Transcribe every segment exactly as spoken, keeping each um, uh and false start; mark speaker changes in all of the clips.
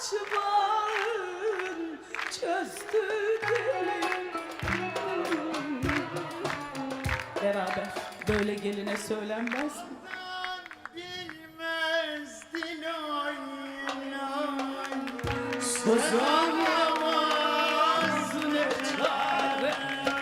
Speaker 1: açman çözdü dili. Beraber böyle geline söylenmez mi?
Speaker 2: Bilmezdin oy oy.
Speaker 1: Söz olamaz ne çare.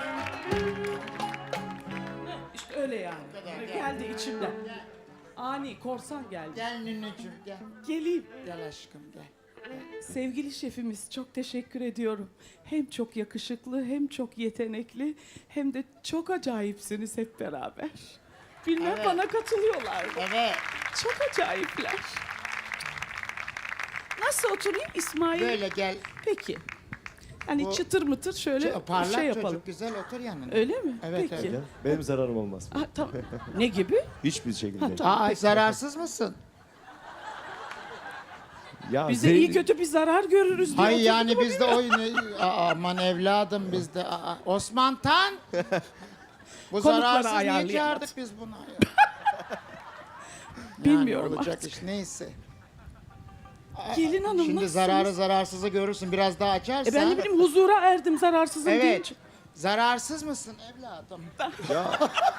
Speaker 1: İşte öyle yani. Geldi içimden. Ani korsan geldi.
Speaker 2: Gel Nünücüğüm gel.
Speaker 1: Geleyim.
Speaker 2: Gel aşkım gel.
Speaker 1: Sevgili şefimiz, çok teşekkür ediyorum. Hem çok yakışıklı, hem çok yetenekli, hem de çok acayipsiniz hep beraber. Bilmem
Speaker 2: Evet.
Speaker 1: bana katılıyorlar mı?
Speaker 2: Evet.
Speaker 1: Çok acayipler. Nasıl oturayım İsmail?
Speaker 2: Böyle gel.
Speaker 1: Peki. Hani
Speaker 2: Bu-
Speaker 1: çıtır mıtır şöyle
Speaker 2: Ç- Parlak
Speaker 1: şey
Speaker 2: çocuk
Speaker 1: yapalım.
Speaker 2: güzel otur yanına.
Speaker 1: Öyle mi?
Speaker 2: Evet,
Speaker 1: Peki.
Speaker 2: evet.
Speaker 3: Gel. Benim zararım olmaz.
Speaker 1: Ah, tamam. Ne gibi?
Speaker 3: Hiçbir şekilde.
Speaker 1: Ha, tamam.
Speaker 2: Aa zararsız mısın?
Speaker 3: Ya
Speaker 1: Bize
Speaker 3: zevk-
Speaker 1: iyi kötü bir zarar görürüz diye.
Speaker 2: Hayır
Speaker 1: oturduk
Speaker 2: yani
Speaker 1: ama
Speaker 2: biz de oyunu... Aa, aman evladım biz de... Aa, Osman Tan! Bu
Speaker 1: Konukları
Speaker 2: zararsız niye
Speaker 1: ayarlayamadı.
Speaker 2: çağırdık biz bunu? Ya?
Speaker 1: Bilmiyorum
Speaker 2: yani olacak
Speaker 1: artık.
Speaker 2: iş neyse.
Speaker 1: Gelin hanım
Speaker 2: Şimdi
Speaker 1: nasılsınız?
Speaker 2: zararı zararsızı görürsün biraz daha açarsan.
Speaker 1: E ben ne bileyim huzura erdim zararsızım
Speaker 2: Evet.
Speaker 1: deyince.
Speaker 2: Zararsız mısın evladım?
Speaker 3: Ya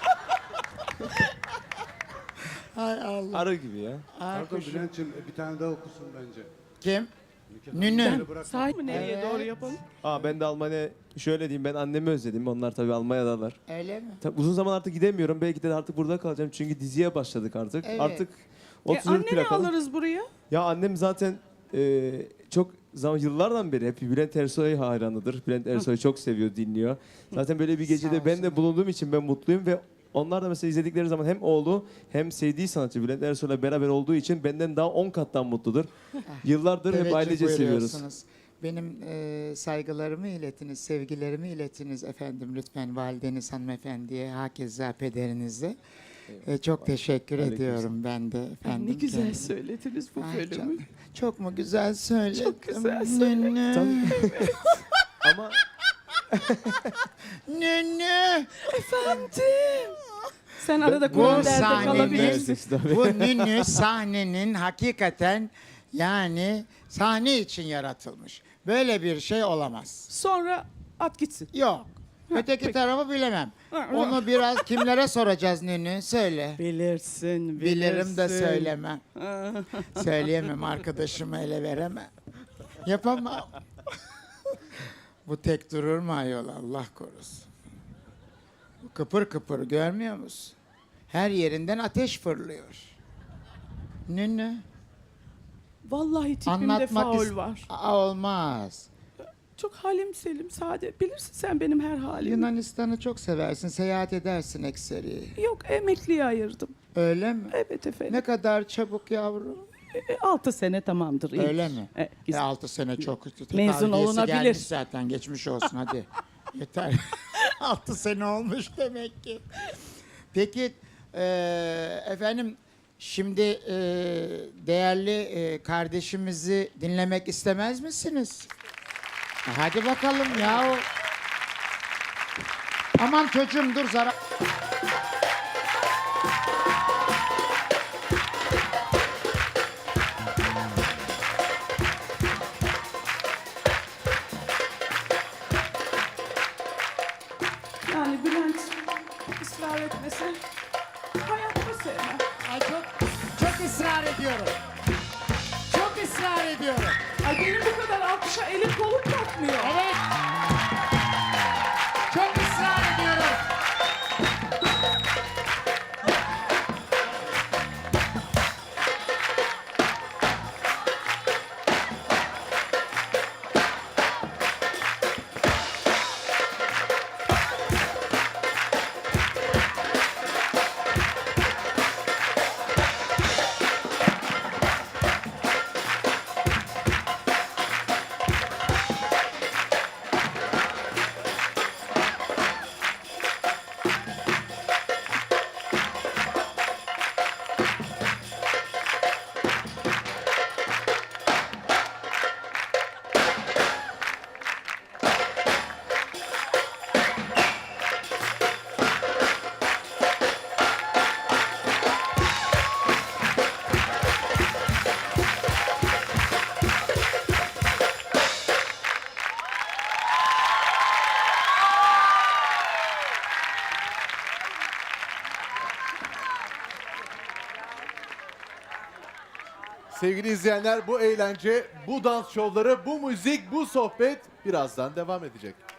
Speaker 2: Hay Allah.
Speaker 3: arı gibi ya.
Speaker 4: Pardon Bülent'ciğim bir tane daha okusun bence.
Speaker 2: Kim? Nünü.
Speaker 1: Sahi mi nereye
Speaker 2: Evet.
Speaker 1: doğru yapalım?
Speaker 3: Aa ben de Almanya şöyle diyeyim, ben annemi özledim. Onlar tabii Almanya'dalar.
Speaker 2: Öyle mi?
Speaker 3: Tabii uzun zaman artık gidemiyorum. Belki de artık burada kalacağım. Çünkü diziye başladık artık.
Speaker 2: Evet.
Speaker 3: Artık
Speaker 1: E,
Speaker 3: otuz
Speaker 1: anneni
Speaker 3: plakalım.
Speaker 1: alırız buraya.
Speaker 3: Ya annem zaten e, çok zaman yıllardan beri hep Bülent Ersoy hayranıdır. Bülent Ersoy'u çok seviyor, dinliyor. Zaten böyle bir
Speaker 2: Sağ
Speaker 3: gecede ben
Speaker 2: olsun.
Speaker 3: de bulunduğum için ben mutluyum ve onlar da mesela izledikleri zaman hem oğlu hem sevdiği sanatçı Bülent Ersoy'la beraber olduğu için benden daha on kattan mutludur. Yıllardır hep
Speaker 2: Teveccüh
Speaker 3: ailece seviyoruz.
Speaker 2: buyuruyorsunuz. Benim e, saygılarımı iletiniz, sevgilerimi iletiniz efendim lütfen valideniz hanımefendiye, hakeza pederinize. E, çok teşekkür
Speaker 3: Aleyküm
Speaker 2: ediyorum ben de
Speaker 1: Ay,
Speaker 2: efendim.
Speaker 1: ne güzel
Speaker 2: kendime.
Speaker 1: söylediniz bu
Speaker 2: Ay
Speaker 1: bölümü.
Speaker 2: canım, çok mu güzel söyledim?
Speaker 1: Çok güzel söyledin.
Speaker 2: Nünü,
Speaker 3: Tabii. Ama
Speaker 2: nünü.
Speaker 1: Efendim. Sen arada
Speaker 2: Bu
Speaker 1: Kur'an derde
Speaker 2: sahnenin-
Speaker 1: kalabilirsin.
Speaker 3: Tabii.
Speaker 2: Bu nünü sahnenin hakikaten yani sahne için yaratılmış. Böyle bir şey olamaz.
Speaker 1: Sonra at gitsin.
Speaker 2: Yok. Öteki
Speaker 1: peki.
Speaker 2: tarafı bilemem.
Speaker 1: Ha,
Speaker 2: Onu biraz kimlere soracağız nünü? Söyle.
Speaker 1: Bilirsin, bilirsin.
Speaker 2: Bilirim de söylemem. Söyleyemem, arkadaşımı ele veremem. Yapamam. Bu tek durur mu ayol, Allah korusun. Bu kıpır kıpır görmüyor musun? Her yerinden ateş fırlıyor. Nünü.
Speaker 1: Vallahi tipimde
Speaker 2: Anlatmak
Speaker 1: faul
Speaker 2: is-
Speaker 1: var.
Speaker 2: Aa, olmaz.
Speaker 1: Çok halim selim, sade. Bilirsin sen benim her halimi.
Speaker 2: Yunanistan'ı çok seversin, seyahat edersin ekseri.
Speaker 1: Yok, emekliye ayırdım.
Speaker 2: Öyle mi?
Speaker 1: Evet efendim.
Speaker 2: Ne kadar çabuk yavrum.
Speaker 1: E, altı sene tamamdır. iyidir.
Speaker 2: Öyle mi?
Speaker 1: E,
Speaker 2: E,
Speaker 1: güzel.
Speaker 2: altı sene çok.
Speaker 1: Mezun
Speaker 2: Tavliyesi
Speaker 1: olunabilir.
Speaker 2: gelmiş zaten, geçmiş olsun hadi. Yeter. altı sene olmuş demek ki. Peki e, efendim şimdi e, değerli e, kardeşimizi dinlemek istemez misiniz? E, Hadi bakalım ya. Aman çocuğum dur zarar.
Speaker 1: Yani Bülent ısrar etmese hayatta sevmem.
Speaker 2: Ay çok çok ısrar ediyorum. Çok ısrar ediyorum.
Speaker 1: Ay benim bu kadar alkışa elim kolum kalkmıyor.
Speaker 2: Evet. Çok ısrar ediyorum.
Speaker 5: Sevgili izleyenler, bu eğlence, bu dans şovları, bu müzik, bu sohbet birazdan devam edecek.